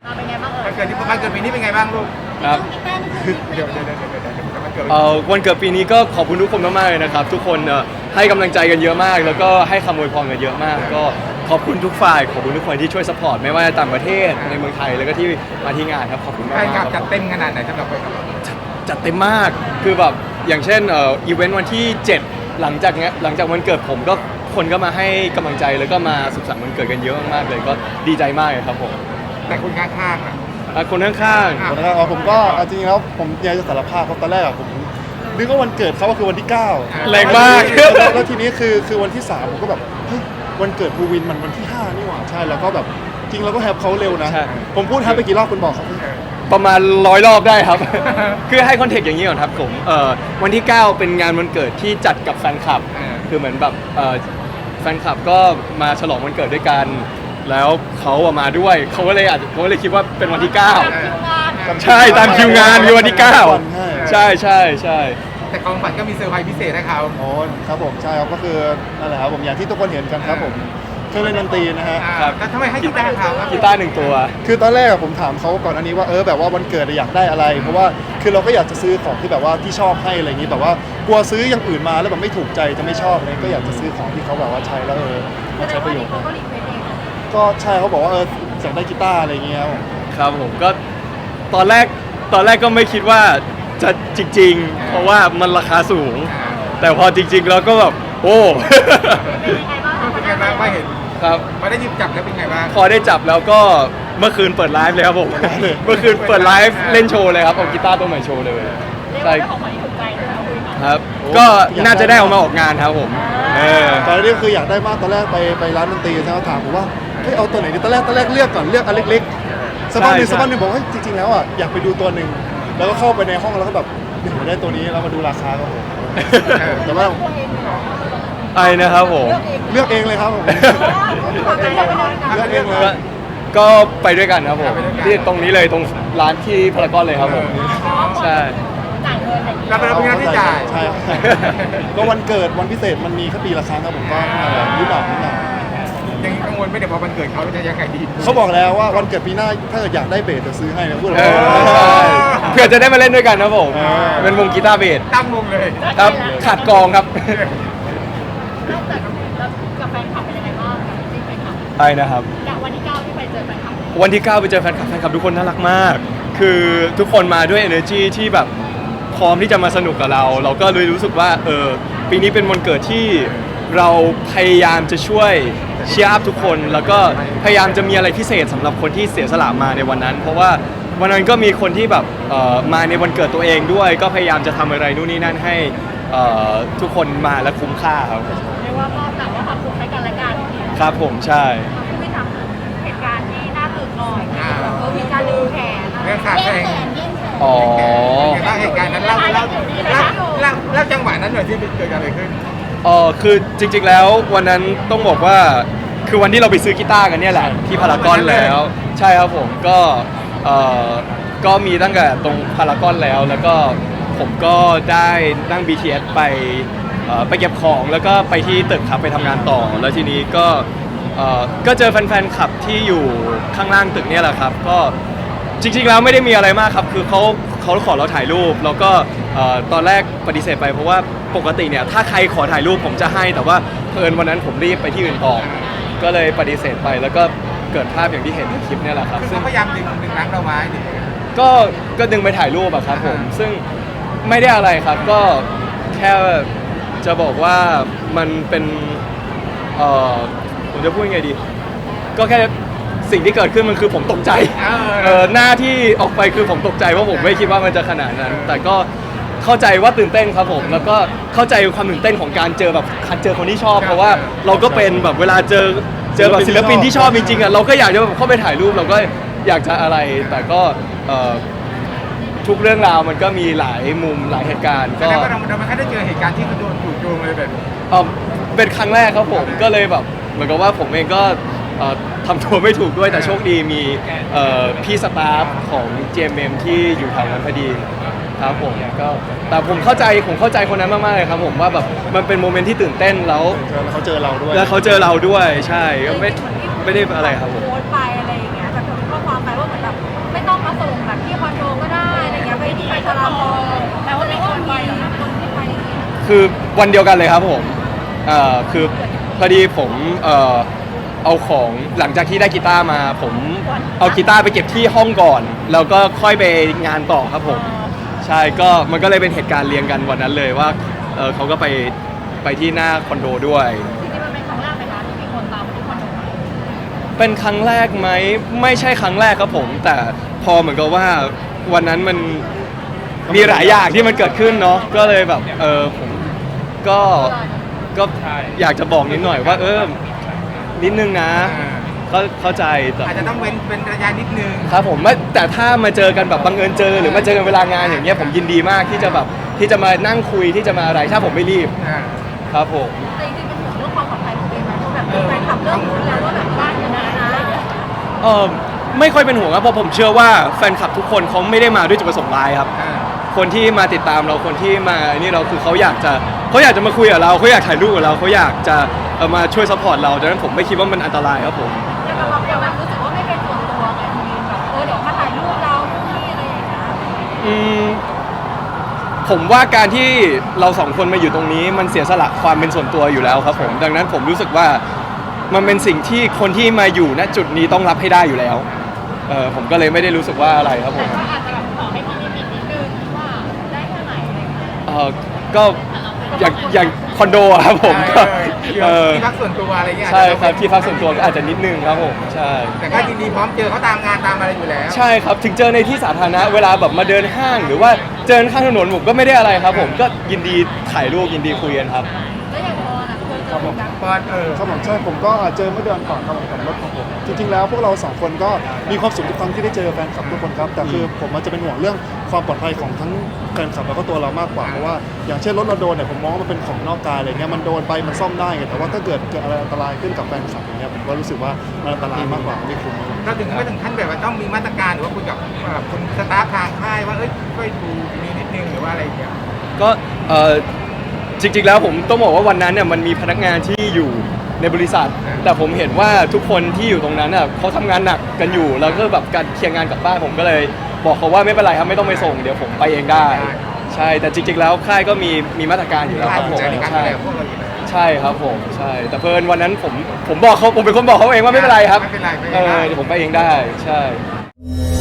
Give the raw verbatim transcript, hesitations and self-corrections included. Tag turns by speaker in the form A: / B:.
A: มาเป็นไงบ้างเอ่ย
B: วันเกิดที่วันเกิดปีนี้เป็นไงบ้างลูก
C: ครับ
B: เดี๋ยวเดี๋ยวเดี๋ยวเดี๋ยวเดี๋ยววันเกิด
C: เอ่อวันเกิดปีนี้ก็ขอบคุณทุกคนมากๆเลยนะครับทุกคนเอ่อให้กำลังใจกันเยอะมาก แล้วก็ให้คำอวยพรกันเยอะมากก็ขอบคุณทุกฝ่ายขอบคุณทุกคนที่ช่วยสปอร์ตไม่ว่าต่างประเทศในเมืองไทยแล้วก็ที่มาที่งานครับขอบคุณมาก
B: ใคร
C: ๆ
B: ก
C: ค
B: ลั
C: รั
B: บบ จัดเต็มขนาดไหนสำหรับคน
C: จัดเต็มมากคือแบบอย่างเช่นเอ่ออีเวนต์วันที่เจ็ดหลังจากเนี้ยหลังจากวันเกิดผมก็คนก็มาให้กำลังใจแล้วก็มาสุขสันต์วันเกิดกันเยอะมากๆเลยก็ดีใจมากเลยครับผม
B: แต่คนข้างๆอ่ะ
C: อ่ะคนข้าง
B: อ่ะ
D: คนแรกอ๋อผมก็เอาจริงๆแล้วผมอยากจะสารภาพครับตอนแรกอะผมนึกว่าวันเกิดเขาก็คือวันที่เก้า
C: ๆแรงมาก
D: แล้วแล้วทีนี้คือคือวันที่สามผมก็แบบเฮ้ยวันเกิดภูวินมันวันที่ห้านี่หว่าใช่แล้วก็แบบจริงเราก็แฮปเขาเร็วนะ
C: ใช่
D: ผมพูดแฮปไปกี่รอบคุณบอกครับ
C: ประมาณร้อยรอบได้ครับ คือให้คอนเทกต์อย่างนี้ก่อนครับผมเอ่อวันที่ เก้าเป็นงานวันเกิดที่จัดกับแฟนคลับ
B: อ่า
C: คือเหมือนแบบเอ่อแฟนคลับก็มาฉลองวันเกิดด้วยกัน แล้วเขาอะมาด้วยเขาก็เลยอาจจะเขาก็เลยคิดว่าเป็นวันที่ เก้า
A: คิวงาน
C: ใช่ตามคิวงานคือวันที่ เก้า
D: ใช่
C: ใช่ใช่ใช่
B: แต่ของขวัญก็มีเซอร์ไพรส์พิเศษให้เขา
D: อ๋อครับผมใช่ครับก็คือนั่นแหละครับผมอย่างที่ทุกคนเห็นกันครับผมเครื่องเล่นดนตรีนะฮะ
B: อ่าแล้วทำไมให้กีตาร์เขาครับ
C: กีตาร์หนึ่งตัว
D: คือตอนแรกอะผมถามเขาก่อนอันนี้ว่าเออแบบว่าวันเกิดอะอยากได้อะไร เพราะว่าคือเราก็อยากจะซื้อของที่แบบว่าที่ชอบให้อะไรอย่างนี้แบบว่ากลัวซื้ออย่างอื่นมาแล้วแบบไม่ถูกใจจะไม่ชอบเลยก็อยากจะซื้อของที่เขาแบบว่าใช้แล้วเออ
A: แส
D: มา
A: ด
D: ใช้
A: ง
D: ป
A: ว่า
D: ระโย
A: นี่
D: ชน์
A: เขาก็รีเควสเอง
D: ก็ใช่เขาบอกว่าเอออยากได้กีตาร์อะไรอย่างเงี้ยครับผม
C: ครับผมก็ตอนแรกตอนแรกก็ไม่คิดว่าจะจริง ๆ เพราะว่ามันราคาสูง
B: อ่า
C: แต่พอจริง ๆ แล้วก็แบบโอ้
A: เป็นยังไงบ้าง
B: เป็นไงบ้างไม่เห็น
C: ครับ
B: พอได้หยิบจับแล้วเป็นไงบ้าง
C: พอได้จับแล้วก็เมื่อคืนเปิดไลฟ์เลยครับผม เมื่อคืนเปิดไลฟ์เล่นโชว์เลยครับเอากีตาร์ตัวใหม่โชว์เลย
A: เรียก
C: ใช่
A: ว่าเป็นของขวัญที่ถูกใจเลยนะคุยกัน
C: ครับ ก็น่าจะได้เออกมาออกงานครับผมเออ
D: ตอนนี้คืออยากได้มากตอนแรกไปไปร้านดนตรีใช่ไหมถามผมว่าเฮ้ยเอาตัวไหนดีตอนแรกตอนแรกเลือกก่อนเลือกอันเล็กๆสักพักหนึ่งสักพักหนึ่งบอกว่าเฮ้ยจริงๆแล้วอ่ะอยากไปดูตัวหนึ่งแล้วก็เข้าไปในห้องแล้วก็แบบเดี๋ยวได้ตัวนี้แล้วมาดูราคาครับผมแต่ว่า
A: ตัวเองเหรอ
C: ไอ้นะครับผม
A: เลือกเอง
D: เลือกเองเลยครับผม
A: ขอใจเราไปเลยนะ
D: เลือกเองเลย
C: ก็ก็ไปด้วยกันครับผมที่ตรงนี้เลยตรงร้านที่พารากอนเลยครับผม ใช่
A: จ่ายเงินอะไรอย่างเงี้ย
B: เราเป็นคนที่จ่าย
D: ใช่ครับก็วันเกิดวันพิเศษมันมีแค่ปีละครั้งครับผมก็นิดหน่อยนิดหน่อย
B: ยังกังวลไม่ได้พอวันเกิดเขาจะยังไงดี
D: เขาบอกแล้วว่าวันเกิดปีหน้าถ้าเกิดอยากได้เบสจะซื้อให้นะพูด
C: เอ
D: เลย
C: อใช่เพื่อจะได้มาเล่นด้วยกันครับผม
D: เออ
C: เป็นวงกีตาร์เบส
B: ตั้งวงเลย
C: ครับขาดกลองครับ
A: นอกจากแล้วกับแฟนคลับเป็นยังไงบ้างกับจริงแฟนคลับ
C: ไอ้นะครับ
A: จากวันที่เก้าที่ไปเจอแฟนคลับ
C: วันที่ เก้าไปเจอแฟนคลับแฟนคลับทุกคนน่ารักมาก คือทุกคนมาด้วย energy ที่แบบพร้อมที่จะมาสนุกกับเรา เราก็เลยรู้สึกว่าเออปีนี้เป็นวันเกิดที่เราพยายามจะช่วยเชียร์อัพทุกคน แล้วก็พยายามจะมีอะไรพิเศษสำหรับคนที่เสียสละมาในวันนั้น เพราะว่าวันนั้นก็มีคนที่แบบเอ่อมาในวันเกิดตัวเองด้วย ก็พยายามจะทำอะไรนู่นนี่นั่นให้เอ่อทุกคนมาและคุ้มค่าครับ
A: เรียกว่าก็แต่ว่าความสุขให้กันและกัน
C: ครับผมใช่
A: ไม่ทำเหตุการณ์ที่น่าตื่นหน่อยแบบเออมีการดึงแขน
B: เรื่องขาดแข่ง
C: อ๋อ
B: เป็นไงบ้างเหตุการณ์นั้นเล่าเล่าเล่าเล่าเล่าจังหวะนั้นหน่อยที่เกิดอะไรขึ้น
C: เออคือจริงๆแล้ววันนั้นต้องบอกว่าคือวันที่เราไปซื้อกีตาร์กันเนี่ยแหละที่พารากอนแล้ว ใช่ครับผมก็เออก็มีตั้งแต่ตรงพารากอนแล้ว แล้วก็ผมก็ได้นั่ง บี ที เอส ไปเอ่อไปเก็บของแล้วก็ไปที่ตึกครับไปทำงานต่อ แล้วทีนี้ก็เอ่อก็เจอแฟนๆคลับที่อยู่ข้างล่างตึกเนี่ยแหละครับก็จริงๆแล้วไม่ได้มีอะไรมากครับคือเขาเขาขอเราถ่ายรูปแล้วก็เอ่อตอนแรกปฏิเสธไปเพราะว่าปกติเนี่ยถ้าใครขอถ่ายรูปผมจะให้แต่ว่าเพิ่นวันนั้นผมรีบไปที่อื่นต่อก็เลยปฏิเสธไปแล้วก็เกิดภาพอย่างที่เห็นในคลิปเนี่ยแหละครับ
B: คือ
C: ซึ่ง
B: เขาพยายามดึงดึงรั้งเราไว้ดิ
C: ก็ก็ดึงไปถ่ายรูปอะครับผม
B: อ่า
C: ซึ่งไม่ได้อะไรครับก็แค่จะบอกว่ามันเป็นเอ่อผมจะพูดยังไงดี ก็แค่สิ่งที่เกิดขึ้นมันคือผมตกใจเออหน้าที่ออกไปคือผมตกใจเพราะผมไม่คิดว่ามันจะขนาดนั้น แต่ก็เข้าใจว่าตื่นเต้นครับผมแล้วก็เข้าใจความตื่นเต้นของการเจอแบบเจอคนที่ชอบ เพราะว่าเราก็เป็นแบบเวลาเจอเจอแบบศิลปินที่ชอบจริงๆอ่ะเราก็อยากจะแบบเข้าไปถ่ายรูปเราก็อยากจะอะไรแต่ก็เอ่อทุกเรื่องราวมันก็มีหลายมุมหลายเหตุการณ์
B: แส
C: ก็
B: ดงว่าเราเราไม่เคยได้เจอเหตุการณ์ที่เขาโดนถูกโจมเลยแบบนี้
C: เอ่อเป็นครั้งแรกครับผมก็เลยแบบเหมือนกับว่าผมเองก็เอ่อทำตัวไม่ถูกด้วยแต่โชคดีมีเอ่อพี่สตาฟของ จี เอ็ม เอ็ม ที่อยู่แถวนั้นพอดีครับผมก็แต่ผมเข้าใจผมเข้าใจคนนั้นมากๆเลยครับผมว่าแบบมันเป็นโมเมนต์ที่ตื่นเต้นแล้ว
D: เขาเจอเราด้วย
C: แล้วเขาเจอเราด้วยใช่ก็ไม่ไม่ได้อะไรครับผม
A: โพสต์ไปอะไรอย่างเงี้ยแต่คนข้อความไปว่าเหมือนแบบพารากอนแต่ว่ามีคนไปเหรอคะคนที่ไป
C: คือวันเดียวกันเลยครับผมเอ่อคือพอดีผมเอ่อเอาของหลังจากที่ได้กีตาร์มา ผมเอากีตาร์ไปเก็บที่ห้องก่อน แล้วก็ค่อยไปงานต่อครับผมใช่ก็มันก็เลยเป็นเหตุการณ์เรียงกันวันนั้นเลยว่าเออเขาก็ไปไปที่หน้าคอนโดด้วย
A: จริงๆมันเป็นครั้งแรกไหมคะที่มีคนตามมาที่คอนโด
C: เป็นครั้งแรกไหมไม่ใช่ครั้งแรกครับผม แต่พอเหมือนกับว่าวันนั้นมันมีหลายอย่างที่มันเกิดขึ้นเนาะก็เลยแบบเออผมก็ก็อยากจะบอกนิดหน่อยว่าเออนิดนึงนะก็เข้าใจแต่
B: อาจจะต้องเว้นเป็นระยะนิดนึง
C: ครับผมไม่แต่ถ้ามาเจอกันแบบบังเอิญเจอหรือมาเจอกันเวลางานอย่างเงี้ยผมยินดีมากที่จะแบบที่จะมานั่งคุยที่จะมาอะไรถ้าผมไม่รีบ
B: อ่า
C: ครับผม
A: แต่จริงๆเป็นห่วงเรื่องความปลอดภัยของเองไหมเพราะแบบแฟนคลับเริ่มรู้แล้วว่าแบบบ้านอยู่นะนะอะไรอย่างเงี้ย
C: เออไม่ค่อยเป็นห่วงครับเพราะผมเชื่อว่าแฟนคลับทุกคนเขาไม่ได้มาด้วยจุดประสงค์ร้ายครับ
B: อ่า
C: คนที่มาติดตามเราคนที่มานี่เราคือเขาอยากจะเขาอยากจะมาคุยกับเราเขาอยากถ่ายรูปกับเราเขาอยากจะเอ่อมาช่วยซัพพอร์ตเราดังนั้นผมไม่คิดว่ามันอันตรายครับผม
A: แต่เราเดี๋ยวแบบรู้สึกว่าไม่เป็นส่วนตัวไงมีแบบเออเดี๋ยวมาถ่ายรูปเรานู่นนี่อะไรอย่างเงี้ย
C: อืมผมว่าการที่เราสองคนมาอยู่ตรงนี้มันเสียสละความเป็นส่วนตัวอยู่แล้วครับผมดังนั้นผมรู้สึกว่ามันเป็นสิ่งที่คนที่มาอยู่ณจุดนี้ต้องรับให้ได้อยู่แล้วเออผมก็เลยไม่ได้รู้สึกว่าอะไรครับผ
A: แต่
C: ม
A: ก็อาจจะแบบขอให้มีลิมิตนิดนึงว่าได้แค่ไหนอะไรอย่างเงี้ย
C: เออก็อย่างอย่างคอนโดอะครับผมก็
B: เอ
C: เอ
B: อ
C: อ
B: ที่พักส่วนตัวอะไรเงี้ย
C: ใช่ครับที่พักส่วนตัวก็อาจจะนิดนึงครับผมใช่
B: แต่ก็ยินดีพร้อมเจอเขาตามงานตามอะไรอยู่แล้ว
C: ใช่ครับถึงเจอในที่สาธารณะเวลาแบบมาเดินห้าง หรือว่าเจอข้างถนนผมก็ไม่ได้อะไรครับผมก็ยินดีถ่ายรูปยินดีคุยกันครับ
A: แล้วอย่างพอนะเคยเจอเหมือนกัน
B: ปอนเออ
D: ครับผมใช่ผมก็เจอเมื่อเดือนก่อนครับผมกับรถของผมจริงๆแล้วพวกเราสองคนก็มีความสุขทุกครั้งที่ได้เจอแฟนคลับทุกคนครับแต่คือผมมันจะเป็นห่วงเรื่องความปลอดภัยของทั้งแฟนคลับแล้วก็ตัวเรามากกว่าเพราะว่าอย่างเช่นรถเราโดนเนี่ยผมมองว่ามันเป็นของนอกกายอะไรเงี้ยมันโดนไปมันซ่อมได้ไงแต่ว่าถ้าเกิดเกิดอะไรอันตรายขึ้นกับแฟนคลับอย่างเงี้ยผมก็รู้สึกว่ามันอันตรายมากกว่าไม่คุ้ม
B: เราถึงไม่ถึงขั้นแบบว่าต้องมีมาตรการหรือว่าคุยกับเอ่อคนสตาฟทางค่ายว่าเอ้ยช่วยดูมีนิดนึงหรือว่าอะไรอย่างเงี้ย
C: ก็เออจริงๆแล้วผมต้องบอกว่าวันนั้นเนี่ยมันมีพนักงานที่อยู่ในบริษัท แต่ผมเห็นว่าทุกคนที่อยู่ตรงนั้นน่ะเขาทำงานหนักกันอยู่แล้วก็แบบการเคลียร์งานกลับบ้านผมก็เลยบอกเขาว่าไม่เป็นไรครับไม่ต้องไปส่งเดี๋ยวผมไปเองได้ ใช่แต่จริงๆแล้วค่ายก็มีมีมาตรการอยู่แล้วครับผม
B: ในการดู
C: ใช่
B: แลพวกเราอยู่แล้ว
C: ใช่ครับผมใช่แต่เพลินวันนั้นผมผมบอกเขาผมเป็นคนบอกเขาเองว่าไม่เป็นไรครับ
B: ไม่เป็นไรไม่เป็น
C: เอ
B: ไร
C: อเดี๋ยวผมไปเองได้ใช่